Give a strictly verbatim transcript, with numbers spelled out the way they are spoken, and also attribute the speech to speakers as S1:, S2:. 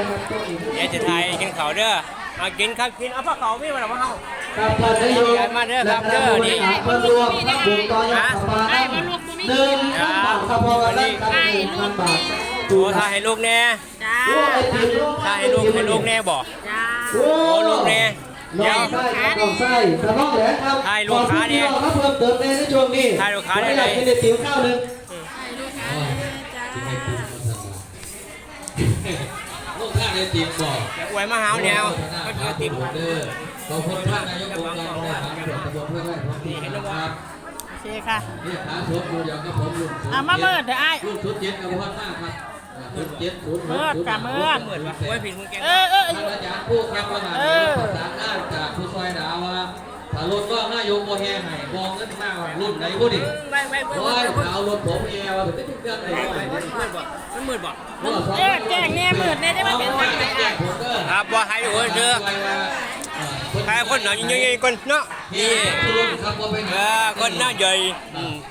S1: เดี๋ยวจะทายกินเขาเด้อมากินครับกินเอาผ้าเขาไม่มาหรอกว่าเฮา
S2: ครับท่านนายก
S1: มาเด้อครับเด้อนี่
S2: เพิ่มรวมนักบุญต่อยอดประมาณหนึ่งพันบาทครับพอกันได้ครับหนึ่งพันบาท
S1: โอ้ทายให้ลูกแน่
S3: จ้า
S2: โอ้ไอติม
S1: ทายให้ลูกให้ลูกแน่บ่
S3: จ้า
S2: โอ้
S1: โอ้ลูกแน่
S2: ล
S1: เดี๋ย
S2: อ
S1: ว
S2: งไส้ครับลองไส้กระน้องแหลมครับ
S1: ทายลูกค้าเนี่ย
S2: ขอบคุณพี่น้องครับเพิ่มเติมในช่วงนี้
S1: ทายลูกค้าเนี่ย
S2: ขออนุญาตกินไอติมข้าวหนึ่ง
S4: ลูกค้าได้ติมบอก
S1: อย่าอวยมาหาวแนวก็เจอติม
S4: เด้อขอบคุณท่านนายกองค์การบริหารส่วนตำบลเพื่อไร่ท้องถิ่นนะครับ
S3: โอเคค่ะ
S4: นี่ขาสดอยู่อย่างกับผมลุง
S3: อ่ะมาเมิดเถอะไอ้
S4: ลุงชุดเจ็ดกับพ่อหน้าครับชุดเจ็ดศูนย์
S3: เมิดค่ะเมิด
S1: เหมือนว่าอวยผิดมึงแก
S3: เออเออ
S4: ท่านอาจารย์ผู้แข่งประธานประสานงานจากผู้ซอยดาว่าถ้ารถว่านายกโมแห่ให้มองเงินมากรุ่นไหนบุดิ
S1: ไม่ไม่ไม่
S4: โอ้ยเอารถผมแอร์ว่าถึงเครื่องไหน
S1: มันมืดบ่
S3: แจ้งแจ้งแน่มืดแน่ได้มาเป็นทางไหนอ่ะ
S1: ครับว่าให้โอ้ยเด้อใครคนหน่อยยิ่งๆคนเนาะนี่
S4: นี่ครับว่าไป
S1: เออคนหน้าใหญ่